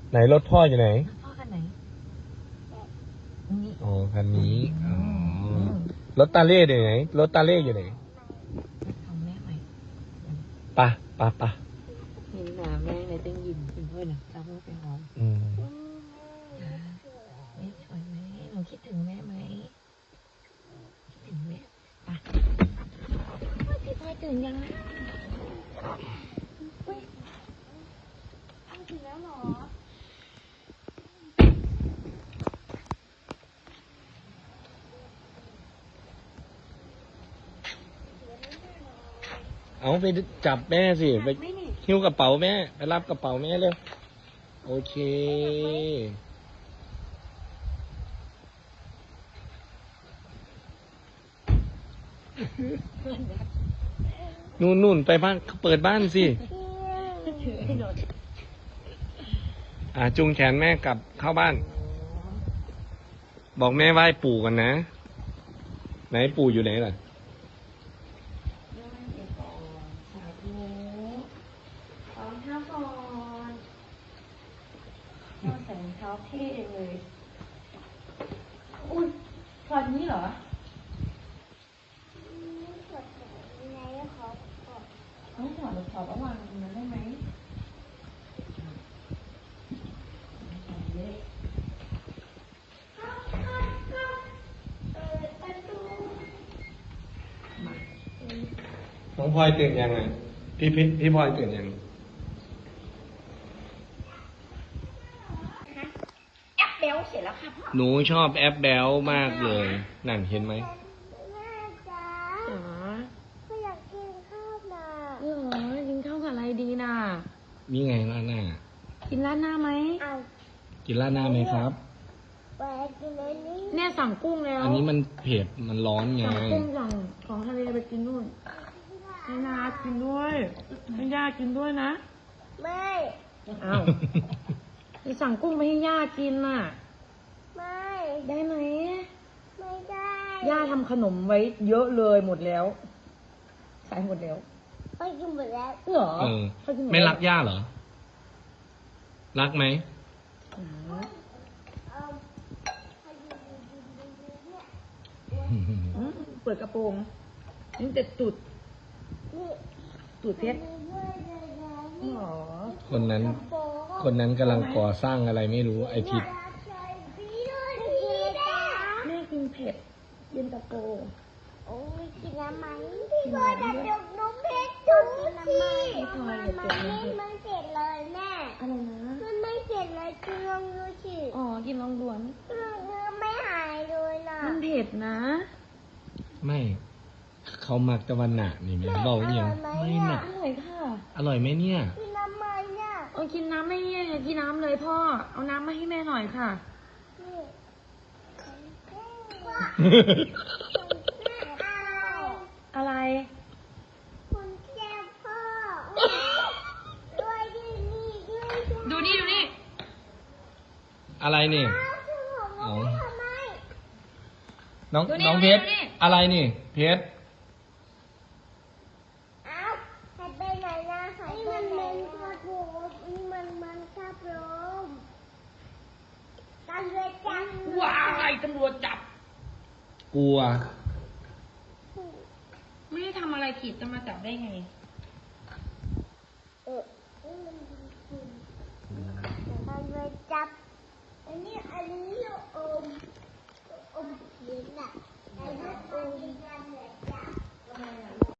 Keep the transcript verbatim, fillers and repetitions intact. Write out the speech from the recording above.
ไหนรถพ่ออยู่ไหนพ่อคันไหนนี่อ๋อคันนี้อ๋อรถตาเล่อยู่ไหนรถตาเล่อยู่ไหนของแม่ใหม่ปะปะปะเห็นหนาแม่เลยต้องยิ้มเป็นเพื่อนนะเราไม่ไปหอมอืมแม่สวยไหมหนูคิดถึงแม่ไหมคิดถึงแม่ปะพี่พลอยตื่นยังนะตื่นแล้วหรอเอาไปจับแม่สิไปหิ้วกระเป๋าแม่ไปรับกระเป๋าแม่เร็วโอเคนู่นนู่นไปบ้านเปิดบ้านสิอ่าจุงแขนแม่กลับเข้าบ้าน บอกแม่ไหว้ปู่กันนะไหนปู่อยู่ไหนล่ะใส่รองเท้าเท่เลยอุ้ยถอดนี้เหรอต้องถอดหรือถอดระหว่างนั้นได้ไหมน้องพลอยตื่นยังไงพี่พี่พี่พลอยตื่นยังแอปเบลเสร็จแล้วค่ะพ่อหนูชอบแอปแบลมากเลยนั่นเห็นไหมแม่จ๋าจ๋าไม่อยากกินข้าวนะเออกินข้าวกับอะไรดีน่ะนี่ไงราดหน้ากินราดหน้าไหมเอากินราดหน้าไหมครับไปกินอันนี้เนี่ยสั่งกุ้งแล้วอันนี้มันเผ็ดมันร้อนไงสั่งกุ้งสั่งของทะเลไปกินนู่นให้นากินด้วยให้ย่ากินด้วยนะไม่อ้าวไปสั่งกุ้งไปให้ย่ากินน่ะไม่ได้ไหมไม่ได้ย่าทำขนมไว้เยอะเลยหมดแล้วใส่หมดแล้วไปกินหมดแล้วเหรอเออเขากินหดไม่แล้วรักย่าเหรอ รักไหมอ๋อเอาไปกินกินกินกินเนี่ยอืมเปิดกระโปรงนี่แต่ตุดนี่ตุดเพชรมีด้วยเลยนะหรอคนนั้นโป๊ะคนนั้นกำลังก่อสร้างอะไรไม่รู้ไอทิศใช่พี่ด้วยพี่จ้าแม่กินเผ็ดเย็นตาโฟโอ้ยกินน้ำมันพี่พลอยจะจกนมเพชรดูสิมันไม่เสร็จเลยแม่อะไรนะมันไม่เสร็จเลยกินลองดูสิอ๋อกินลองด่วนเนื้อไม่หายเลยนะมันเผ็ดนะไม่ เขามักตะวันหนักนี่แม่เบาเอียงไม่หนักอร่อยค่ะอร่อยไหมเนี่ยกินน้ำมันเนี่ยเอากินน้ำไม่เนี่ยกินน้ำเลยพ่อ เอาน้ำมาให้แม่หน่อยค่ะนี่อะไรอะไรคุณแก้วพ่อด้วยที่นี่ด้วยดูนี่ดูนี่อะไรนี่เอาเอาทำไมน้องดูนี่น้องเพชรดูนี่อะไรนี่ เพชรเอาหายไปไหนนะหายไปไหนนะนี่มันมันครับลมกันเลยจังว้ายตำรวจจับกลัวไม่ได้ทำอะไรผิดจะมาจับได้ไงเออนี่มันกันเลยจับอันนี้อันนี้อมอมเขียนอ่ะอันนี้อมกันเลยจับ